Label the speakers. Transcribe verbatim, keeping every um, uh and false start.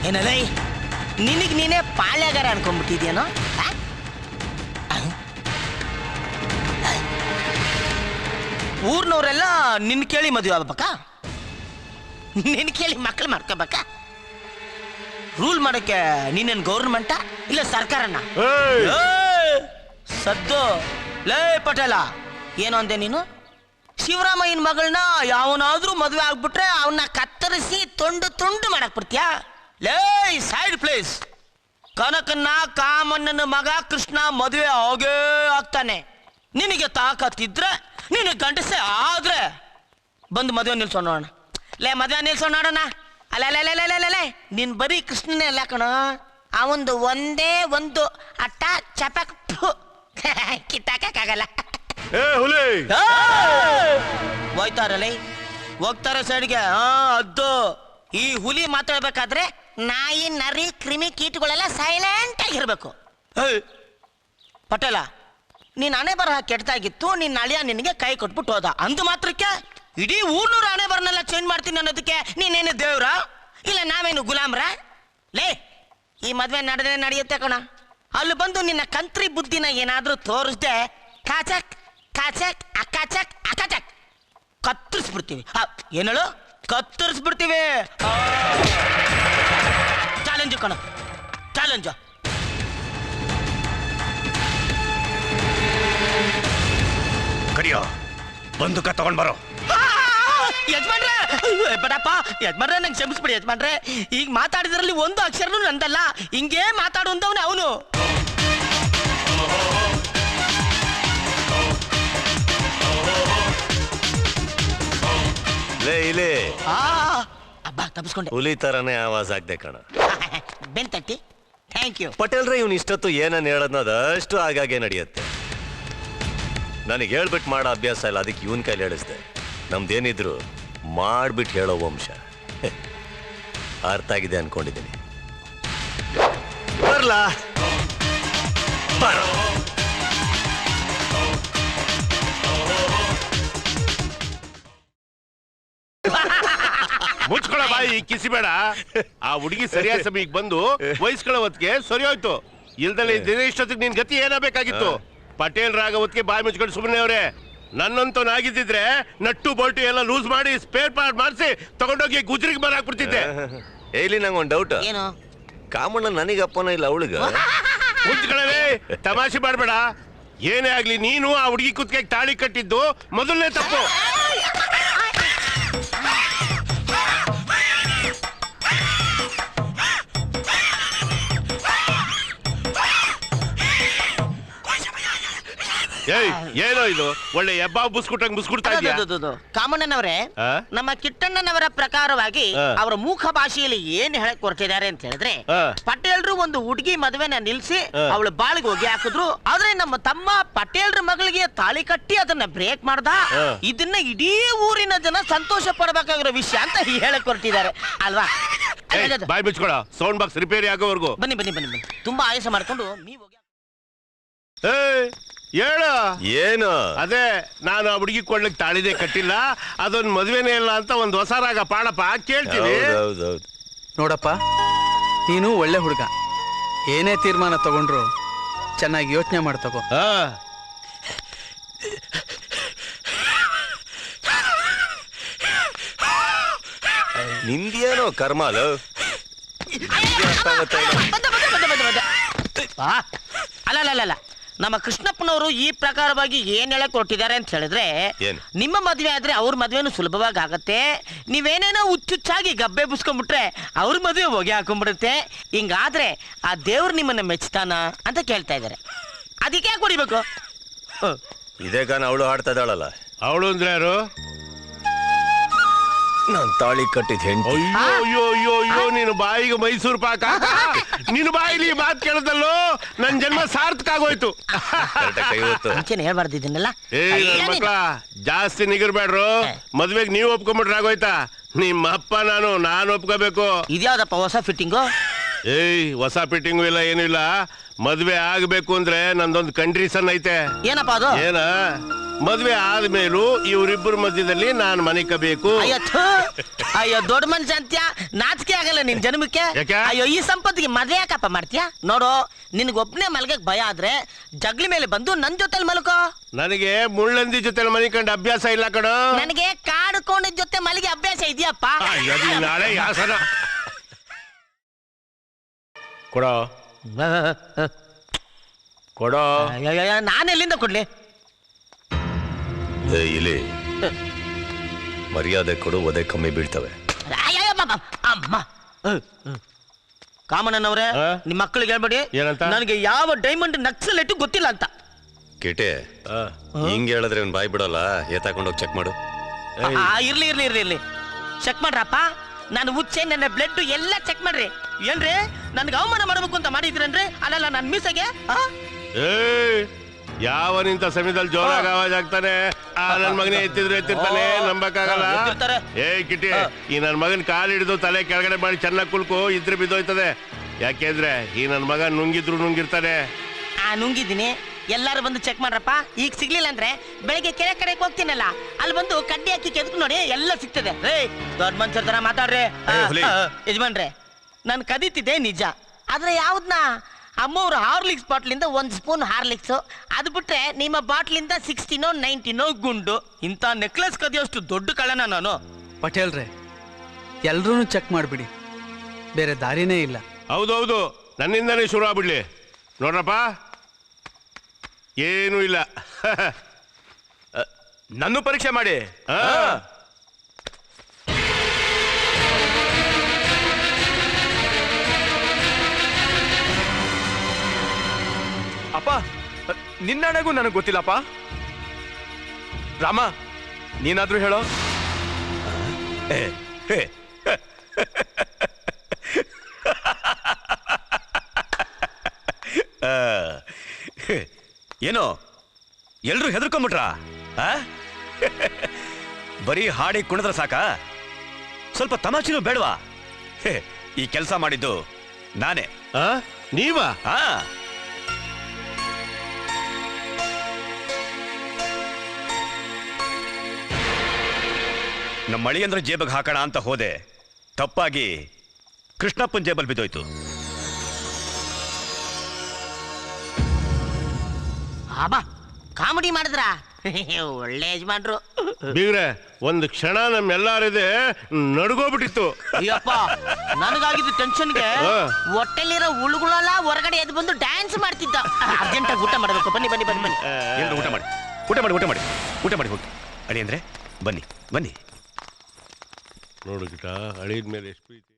Speaker 1: ಏನಲ್ಲ ನಿನಗೆ ನೀನೇ ಪಾಳ್ಯಗಾರ ಅನ್ಕೊಂಡ್ಬಿಟ್ಟಿದ್ಯೇನೋ? ಊರ್ನವರೆಲ್ಲ ನಿನ್ ಕೇಳಿ ಮದುವೆ ಆಗ್ಬೇಕಾ? ನಿನ್ ಕೇಳಿ ಮಕ್ಳು ಮಾಡ್ಕೋಬೇಕಾ? ರೂಲ್ ಮಾಡೋಕ್ಕೆ ನೀನೇನು ಗೌರ್ಮೆಂಟ ಇಲ್ಲ ಸರ್ಕಾರನ? ಸದ್ದು ಲೇ ಪಟೇಲ, ಏನು ಅಂದೆ ನೀನು? ಶಿವರಾಮಯ್ಯನ ಮಗಳನ್ನ ಯಾವನಾದ್ರೂ ಮದುವೆ ಆಗ್ಬಿಟ್ರೆ ಅವನ್ನ ಕತ್ತರಿಸಿ ತುಂಡು ತುಂಡು ಮಾಡಕ್ ಬಿಡ್ತೀಯಾ? ಲೇ ಸೈಡ್ ಪ್ಲೇಸ್. ಕನಕನ್ನ ಕಾಮಣ್ಣನ ಮಗ ಕೃಷ್ಣ ಮದುವೆ ಆಗೇ ಆಗ್ತಾನೆ. ನಿನಗೆ ತಾಕತ್ತಿದ್ರೆ ನೀನು ಗಂಡಸೆ ಆದ್ರೆ ಬಂದು ಮದುವೆ ನಿಲ್ಸೋಣ ನೋಡೋಣ. ಲೇ ಮದುವೆ ನಿಲ್ಸೋಣ ನೋಡೋಣ. ಅಲ್ಲ ಅಲ್ಲ ಅಲ್ಲ ಅಲ್ಲ ಅಲ್ಲ ನೀನ್ ಬರೀ ಕೃಷ್ಣನೇ ಅಲ್ಲ ಕಣ, ಅವಂದು ಒಂದೇ ಒಂದು ಅಟ್ಟ ಚಪಕ್ ಕಿತ್ತಾಕಕ್ಕಾಗಲ್ಲ. ಹೋಯ್ತಾರಲ್ಲ ಹೋಗ್ತಾರೆ ಸೈಡ್ಗೆ. ಹಾ ಅದ್ದು ಈ ಹುಲಿ ಮಾತಾಡ್ಬೇಕಾದ್ರೆ ನಾಯಿ ನರಿ ಕ್ರಿಮಿ ಕೀಟಗಳೆಲ್ಲ ಸೈಲೆಂಟ್ ಆಗಿರ್ಬೇಕು. ಪಟೇಲ, ನೀನ್ ಹಣೆ ಬರಹ ಕೆಟ್ಟದಾಗಿತ್ತು, ನಿನ್ನ ಅಳಿಯ ನಿನಗೆ ಕೈ ಕೊಟ್ಬಿಟ್ಟು ಹೋದ ಅಂದು ಮಾತ್ರಕ್ಕೆ ಇಡೀ ಊರ್ನೂರು ಹಣೆ ಬರನೆಲ್ಲ ಚೇಂಜ್ ಮಾಡ್ತೀನಿ ಅನ್ನೋದಕ್ಕೆ ನೀನೇನು ದೇವ್ರ ಇಲ್ಲ ನಾವೇನು ಗುಲಾಮ್ರ? ಲೇ ಈ ಮದ್ವೆ ನಡೆದ್ರೆ ನಡೆಯುತ್ತೆ ಕಣ. ಅಲ್ಲಿ ಬಂದು ನಿನ್ನ ಕಂತ್ರಿ ಬುದ್ಧಿನ ಏನಾದ್ರೂ ತೋರಿಸ್ದೆ ಕಾಚಕ್ ಕಾಚಕ್ ಅಕ್ಕಾಚಕ್ ಅಕ್ಕಾಚಕ್ ಕತ್ತರಿಸ್ಬಿಡ್ತೀವಿ. ಏನೇಳು ಕತ್ತರಿಸ್ಬಿಡ್ತೀವಿ. ಚಾಲೆಂಜು ಕಣ, ಚಾಲೆಂಜು.
Speaker 2: ಕರಿಯೋ ಬಂದೂಕ ತಗೊಂಡ್ ಬರೋ.
Speaker 1: ಯಜಮಾನ್ರೆ ಬೇಡಪ್ಪ ಯಜಮಾನ್ರೆ, ನಂಗೆ ಕ್ಷಮಿಸ್ಬಿಡಿ ಯಜಮಾನ್ರೆ. ಈಗ ಮಾತಾಡಿದ್ರಲ್ಲಿ ಒಂದು ಅಕ್ಷರನೂ ನಂದಲ್ಲ. ಹಿಂಗೇ ಮಾತಾಡುವಂತವನೇ ಅವನು.
Speaker 2: ಲೇ ಇಲ್ಲಿ
Speaker 1: ಅಬ್ಬ ತಪ್ಪಿಸ್ಕೊಂಡೆ.
Speaker 2: ಹುಲಿ ತರನೇ ಆವಾಜ್ ಆಗ್ದೆ ಕಣ.
Speaker 1: ಬೆನ್ ತಟ್ಟಿ ಥ್ಯಾಂಕ್ ಯು.
Speaker 2: ಪಟೇಲ್ರೆ ಇವ್ನು ಇಷ್ಟೊತ್ತು ಏನನ್ನ ಹೇಳದ್ನ ಅದಷ್ಟು ಆಗಾಗೆ ನಡೆಯುತ್ತೆ. ನನಗೆ ಹೇಳ್ಬಿಟ್ಟು ಮಾಡೋ ಅಭ್ಯಾಸ ಇಲ್ಲ, ಅದಕ್ಕೆ ಇವನ್ ಕೈಲಿ ಹೇಳಿಸ್ದೆ. ನಮ್ದೇನಿದ್ರು ಮಾಡ್ಬಿಟ್ಟು ಹೇಳೋ ವಂಶ. ಅರ್ಥ ಆಗಿದೆ ಅನ್ಕೊಂಡಿದ್ದೀನಿ. ಬರ್ಲಾ ಬರೋ.
Speaker 3: ಮುಚ್ಕೊಳ ಬಾಯಿ ಕಿಸಿಬೇಡ. ಆ ಹುಡುಗಿ ಸರಿಯಾದ ಸಮಯಕ್ಕೆ ಬಂದು ವಯಸ್ಕೊಳ್ಳೋ ಹೊತ್ತಿಗೆ ಸರಿ ಹೋಯ್ತು. ಇಲ್ದಲ್ಲಿ ದಿನೇಶೊತ್ತಿಗೆ ನಿನ್ ಗತಿ ಏನಾಗಬೇಕಾಗಿತ್ತು? ಪಟೇಲ್ ರಾಗ ಹೊತ್ತಿಗೆ ಬಾಯಿ ಮುಚ್ಕೊಂಡು ಸುಮ್ಮನೆ ಅವ್ರೆ. ನನ್ನಂತೂ ಆಗಿದ್ದಿದ್ರೆ ನಟ್ಟು ಬೋಲ್ಟು ಎಲ್ಲ ಲೂಸ್ ಮಾಡಿ ಸ್ಪೇರ್ ಪಾರ್ಟ್ ಮಾಡಿಸಿ ತಗೊಂಡೋಗಿ ಗುಜ್ರಿಗೆ ಮರ ಹಾಕ್ಬಿಡ್ತಿದ್ದೆ.
Speaker 2: ಇಲ್ಲಿ ನಂಗೆ ಒಂದು ಡೌಟ್.
Speaker 1: ಏನು?
Speaker 2: ಕಾಮಣ್ಣ ನನಗಪ್ಪನ ಇಲ್ಲ ಅವಳಿಗ?
Speaker 3: ಮುಚ್ಕೊಳ್ಳವೇ ತಮಾಷೆ ಮಾಡ್ಬೇಡ. ಏನೇ ಆಗ್ಲಿ ನೀನು ಆ ಹುಡುಗಿ ಕುತ್ತಿಗೆ ತಾಳಿ ಕಟ್ಟಿದ್ದು ಮೊದಲನೇ ತಪ್ಪು. ಏಯ್ ಏನೋ ಇದು ಒಳ್ಳೆ ಎಬ್ಬಾ ಬುಸ್ಕುಟ್ಟಂಗ್ ಬುಸ್ಕುಡ್ತಾ ಇದೆಯಾ?
Speaker 1: ಕಾಮಣ್ಣನವರೇ, ನಮ್ಮ ಕಿಟ್ಟಣ್ಣನವರ ಪ್ರಕಾರವಾಗಿ ಅವರ ಮೂಕ ಭಾಷೆಯಲ್ಲಿ ಏನ್ ಹೇಳಕ್ ಹೊರಟಿದ್ದಾರೆ ಅಂತ ಹೇಳಿದ್ರೆ, ಪಟೇಲ್ರು ಒಂದು ಹುಡುಗಿ ಮದುವೆನ ನಿಲ್ಸಿ ಅವಳು ಬಾಳಿಗೆ ಹೋಗಿ ಹಾಕಿದ್ರು. ಆದ್ರೆ ನಮ್ಮ ತಮ್ಮ ಪಟೇಲ್ರ ಮಗಳಿಗೆ ತಾಳಿ ಕಟ್ಟಿ ಅದನ್ನ ಬ್ರೇಕ್ ಮಾಡ್ದ. ಇದನ್ನ ಇಡೀ ಊರಿನ ಜನ ಸಂತೋಷ ಪಡಬೇಕಾಗಿರೋ ವಿಷಯ ಅಂತ ಹೇಳಕ್ ಹೊರಟಿದ್ದಾರೆ ಅಲ್ವಾ?
Speaker 3: ಬಾಯ್ ಬಿಚ್ಕೊಳ. ಸೌಂಡ್ ಬಾಕ್ಸ್ ರಿಪೇರಿ ಆಗೋವರೆಗೂ
Speaker 1: ಬನ್ನಿ ಬನ್ನಿ ಬನ್ನಿ ಬನ್ನಿ. ತುಂಬಾ ಆಯಾಸ ಮಾಡ್ಕೊಂಡು ನೀವು
Speaker 3: ಹೇಳು.
Speaker 2: ಏನು?
Speaker 3: ಅದೇ ನಾನು ಆ ಹುಡುಗಿ ಕೊಡ್ಲಿಕ್ಕೆ ತಾಳಿದೆ ಕಟ್ಟಿಲ್ಲ, ಅದೊಂದು ಮದುವೆನೇ ಇಲ್ಲ ಅಂತ ಒಂದು ಹೊಸ ರಾಗ ಪಾಡಪ್ಪ ಕೇಳ್ತೀನಿ.
Speaker 4: ನೋಡಪ್ಪ, ನೀನು ಒಳ್ಳೆ ಹುಡುಗ. ಏನೇ ತೀರ್ಮಾನ ತಗೊಂಡ್ರು ಚೆನ್ನಾಗಿ ಯೋಚನೆ ಮಾಡಿ ತಗೋ.
Speaker 2: ನಿಂದೇನೋ ಕರ್ಮಾಲ.
Speaker 1: ಅಲ್ಲ ಅಲ್ಲ ಅಲ್ಲ ನಮ್ಮ ಕೃಷ್ಣಪ್ಪನವರು ಈ ಪ್ರಕಾರವಾಗಿ ಏನ್ ಹೇಳಕ್ ಕೊಟ್ಟಿದ್ದಾರೆ ಅಂತ ಹೇಳಿದ್ರೆ, ನಿಮ್ಮ ಮದ್ವೆ ಆದ್ರೆ ಅವ್ರ ಮದ್ವೆನೂ ಸುಲಭವಾಗಿ ಆಗತ್ತೆ. ನೀವೇನೇನೋ ಹುಚ್ಚುಚ್ಚಾಗಿ ಗಬ್ಬೆ ಬುಸ್ಕೊಂಡ್ಬಿಟ್ರೆ ಅವ್ರ ಮದ್ವೆ ಹೊಗೆ ಹಾಕೊಂಡ್ಬಿಡುತ್ತೆ. ಹಿಂಗಾದ್ರೆ ಆ ದೇವ್ರು ನಿಮ್ಮನ್ನ ಮೆಚ್ತಾನ ಅಂತ ಕೇಳ್ತಾ ಇದಾರೆ. ಅದಕ್ಕೆ ಯಾಕೆ ಹೊಡಿಬೇಕು?
Speaker 2: ಇದೇ ಗಾನ ಅವಳು ಹಾಡ್ತಾ ಇದ್ದಾಳಲ್ಲ.
Speaker 3: ಅವಳು ಅಂದ್ರೆ ಯಾರು?
Speaker 2: ನಾನ್ ತಾಳಿ ಕಟ್ಟಿದ ಹೆಂಡತಿ.
Speaker 3: ಅಯ್ಯೋ ಅಯ್ಯೋ ಅಯ್ಯೋ ನೀನು ಬಾಯಿಗೆ ಮೈಸೂರು ಪಾಕ. ನಿನ್ನ ಬಾಯಿಲಿ ಮಾತು ಕೇಳದಲ್ಲೋ ನನ್ ಜನ್ಮ ಸಾರ್ಥಕ ಆಗೋಯ್ತು.
Speaker 1: ಹೇಳ್ಬಾರ್ದಿದ್ದನ್ನೆಲ್ಲ.
Speaker 3: ಏ ನನ್ ಮಕ್ಳ ಜಾಸ್ತಿ ನಿಗಿರ್ಬೇಡ್ರು. ಮದ್ವೆಗ್ ನೀವು ಒಪ್ಕೊಂಡ್ಬಿಟ್ರೆ ಆಗೋಯ್ತಾ? ನಿಮ್ಮ ಅಪ್ಪ ನಾನು ನಾನು ಒಪ್ಕೋಬೇಕು.
Speaker 1: ಇದ್ಯಾವ್ದಪ್ಪ ಹೊಸ ಫಿಟ್ಟಿಂಗು?
Speaker 3: ಏಯ್ ಹೊಸ ಫಿಟ್ಟಿಂಗು ಇಲ್ಲ ಏನು ಇಲ್ಲ. ಮದ್ವೆ ಆಗ್ಬೇಕು ಅಂದ್ರೆ ನಂದೊಂದು ಕಂಡೀಷನ್ ಐತೆ.
Speaker 1: ಏನಪ್ಪ ಅದು?
Speaker 3: ಏನ ಮದ್ವೆ ಆದ್ಮೇಲೂ ಇವರಿಬ್ಬರ ಮಧ್ಯದಲ್ಲಿ ನಾನ್ ಮನೆ ಕಬೇಕು.
Speaker 1: ಅಯ್ಯೋ ಥು. ಅಯ್ಯೋ ದೊಡ್ಡ ಮನುಷ್ಯ ಅಂತ್ಯ, ನಾಚಿಕೆ ಆಗಲ್ಲ ನಿನ್ ಜನ್ಮಕ್ಕೆ.
Speaker 3: ಯಾಕೆ?
Speaker 1: ಅಯ್ಯೋ ಈ ಸಂಪತ್ತಿಗೆ ಮದ್ವೆ ಯಾಕಪ್ಪ ಮಾಡ್ತೀಯಾ? ನೋಡು, ನಿನ್ಗೆ ಒಬ್ನೇ ಮಲ್ಗಕ್ ಭಯ ಆದ್ರೆ ಜಗ್ಲಿ ಮೇಲೆ ಬಂದು ನನ್ ಜೊತೆಲಿ ಮಲ್ಕೋ.
Speaker 3: ನನಗೆ ಮುಳ್ಳಂದಿ ಜೊತೆ ಮನೆ ಕಂಡ ಅಭ್ಯಾಸ ಇಲ್ಲ ಕಣ.
Speaker 1: ನನಗೆ ಕಾಡು ಕೋಣದ ಜೊತೆ ಮಲಗಿ ಅಭ್ಯಾಸ ಇದೆಯಪ್ಪ.
Speaker 3: ನಾಳೆ ಯಾಸನ ಕೊಡೋ ಕೊಡೋ.
Speaker 1: ನಾನೆಲ್ಲಿಂದ ಕೊಡ್ಲಿ?
Speaker 2: ಏ, ಇಲ್ಲಿ ಮರ್ಯಾದೆ ಕೊಡು, ಒದೆ ಕಮ್ಮಿ ಬೀಳ್ತವೆ.
Speaker 1: ಅಯ್ಯಯ್ಯ ಬಾಬಾ, ಅಮ್ಮ. ಕಾಮಣ್ಣನವ್ರೆ,
Speaker 3: ಆ?
Speaker 1: ನಿಮ್ ಮಕ್ಕಳಿಗೆ ಹೇಳ್ಬೇಡಿ
Speaker 3: ಏನಂತ?
Speaker 1: ನನಗೆ ಯಾವ ಡೈಮಂಡ್ ನಕ್ಸಲ್ ಇಟ್ಟು ಗೊತ್ತಿಲ್ಲ ಅಂತ.
Speaker 2: ಕೇಟೆ ಹಿಂಗ್ ಹೇಳಿದ್ರೆ ಅವ್ನ್ ಬಾಯ್ ಬಿಡೋಲ್ಲ. ಏತಾಕೊಂಡೋಗಿ ಚೆಕ್ ಮಾಡು.
Speaker 1: ಆ, ಇರ್ಲಿ ಇರ್ಲಿ ಇರ್ಲಿ ಇರ್ಲಿ ಚೆಕ್ ಮಾಡ್ರಪ್ಪ. ನಾನು ಉಚ್ಚೆ, ನನ್ನ ಬ್ಲಡ್ ಎಲ್ಲ ಚೆಕ್ ಮಾಡ್ರಿ. ಏನ್ರಿ ನನ್ಗೆ ಅವಮಾನ ಮಾಡ್ಬೇಕು ಅಂತ ಮಾಡಿದ್ರೇನ್ರಿ? ಅಲ್ಲಲ್ಲ ನನ್ ಮೀಸೆಗೆ ಆ?
Speaker 3: ಏ ಯಾವ ನಿಂತ ಸಮಯದಲ್ಲಿ ಜೋರಾಗಿ ಆವಾಜ್ ಆಗ್ತಾನೆ. ಆ ನನ್ ಮಗನೇ ಎತ್ತಿದ್ರೆ ಎತ್ತಿರ್ತಾನೆ, ನಂಬಕ್ಕಾಗಲ್ಲ.
Speaker 1: ಹಾ, ಎತ್ತಿರ್ತಾರೆ.
Speaker 3: ಏ ಕಿಟಿ, ಈ ನನ್ ಮಗನ್ ಕಾಲ್ ಹಿಡಿದು ತಲೆ ಕೆಳಗಡೆ ಮಾಡಿ ಚೆನ್ನಾಗಿ ಕುಲ್ಕು, ಇದ್ರೆ ಬಿದ್ದೋಯ್ತದೆ. ಯಾಕೆಂದ್ರೆ ಈ ನನ್ ಮಗ ನುಂಗಿದ್ರು ನುಂಗಿರ್ತಾನೆ.
Speaker 1: ಆ ನುಂಗಿದ್ದೀನಿ, ಎಲ್ಲಾರು ಬಂದು ಚೆಕ್ ಮಾಡ್ರಪ್ಪ. ಈಗ ಸಿಗ್ಲಿಲ್ಲ ಅಂದ್ರೆ ಬೆಳಿಗ್ಗೆ ಕೆರೆ ಕಡೆಗೆ ಹೋಗ್ತೀನಲ್ಲ, ಅಲ್ಲಿ ಬಂದು ಕಡ್ಡಿ ಹಾಕಿ ಕೆದಕ್ ನೋಡಿ ಎಲ್ಲ ಸಿಗ್ತದೆ. ರೇ ದೊಡ್ಡ ಮನುಷ್ಯರ ತರ ಮಾತಾಡ್ರಿ. ಆ,
Speaker 2: ಹುಲಿ.
Speaker 1: ಆ, ಯಜಮಾನ್ರೆ, ನಾನು ಕದೀತಿದ್ದೆ ನಿಜ, ಆದ್ರೆ ಯಾವ್ದನ್ನ ಅಮ್ಮವ್ರ ಹಾರ್ಲಿಕ್ಸ್ ಬಾಟ್ಲಿಂದ ಒಂದ್ ಸ್ಪೂನ್ ಹಾರ್ಲಿಕ್ಸ್, ಅದು ಬಿಟ್ರೆ ನಿಮ್ಮ ಬಾಟ್ಲಿಂದ ಸಿಕ್ಸ್ಟಿನೋ ನೈನ್ಟಿನೋ ಗುಂಡು. ಇಂಥ ನೆಕ್ಲೆಸ್ ಕದಿಯೋಷ್ಟು ದೊಡ್ಡ ಕಳ್ಳನ ನಾನು.
Speaker 4: ಪಟೇಲ್ರೆ, ಎಲ್ರೂ ಚೆಕ್ ಮಾಡಿಬಿಡಿ, ಬೇರೆ ದಾರಿನೇ ಇಲ್ಲ.
Speaker 3: ಹೌದೌದು, ನನ್ನಿಂದಾನೇ ಶುರು ಆಗ್ಬಿಡ್ಲಿ. ನೋಡ್ರಪ್ಪ, ಏನೂ ಇಲ್ಲ.
Speaker 5: ನನ್ನ ಪರೀಕ್ಷೆ ಮಾಡಿ.
Speaker 3: ಆ,
Speaker 5: ಅಪ್ಪ, ನಿನ್ನಣಗೂ ನನಗೆ ಗೊತ್ತಿಲ್ಲಪ್ಪ. ರಾಮ, ನೀನಾದ್ರೂ ಹೇಳೋ.
Speaker 2: ಏ, ಏ, ಆ, ಏನೋ ಎಲ್ರು ಹೆದರ್ಕೊಂಬಿಟ್ರ? ಬರೀ ಹಾಡಿ ಕುಣಿದ್ರ ಸಾಕ? ಸ್ವಲ್ಪ ತಮಾಷೆನೂ ಬೇಡವಾ? ಹೇ, ಈ ಕೆಲಸ ಮಾಡಿದ್ದು ನಾನೇ.
Speaker 3: ಆ? ನೀವಾ?
Speaker 2: ಆ ನಮ್ಮ ಮಳಿಯಂದ್ರ ಜೇಬಗ್ ಹಾಕೋಣ ಅಂತ ಹೋದೆ, ತಪ್ಪಾಗಿ ಕೃಷ್ಣಪ್ಪನ ಜೇಬಲ್ ಬಿದ್ದೋಯ್ತು.
Speaker 1: ಆಬಾ, ಕಾಮಿಡಿ ಮಾಡಿದ್ರ? ಒಳ್ಳೆ ಯಜಮಾನ್ರು.
Speaker 3: ಬೀಗ್ರೆ, ಒಂದು ಕ್ಷಣ ನಮ್ಮೆಲ್ಲಾರಿದೆ ನಡ್ಗೋಬಿಟ್ಟಿತ್ತು.
Speaker 1: ಅಯ್ಯಪ್ಪ, ನನಗಾಗಿದ್ದು ಟೆನ್ಷನ್ಗೆ
Speaker 3: ಹಾ.
Speaker 1: ಹೊಟ್ಟೆಲಿರೋ ಉಳುಗಳೆಲ್ಲ ಹೊರಗಡೆ ಎದ್ದು ಬಂದು ಡ್ಯಾನ್ಸ್ ಮಾಡ್ತಿದ್ದ. ಅರ್ಜೆಂಟಾಗಿ ಊಟ ಮಾಡಬೇಕು. ಬನ್ನಿ ಬನ್ನಿ ಬನ್ನಿ ಬನ್ನಿ.
Speaker 2: ಎಲ್ರು ಊಟ ಮಾಡಿ, ಊಟ ಮಾಡಿ, ಊಟ ಮಾಡಿ, ಊಟ ಮಾಡಿ ಹೋಗಿ. ಅಡಿ ಅಂದ್ರೆ ಬನ್ನಿ ಬನ್ನಿ.
Speaker 3: ನೋಡು ಗಿಟ, ಅಳಿದ ಮೇಲೆ ಎಷ್ಟು ಪ್ರೀತಿ.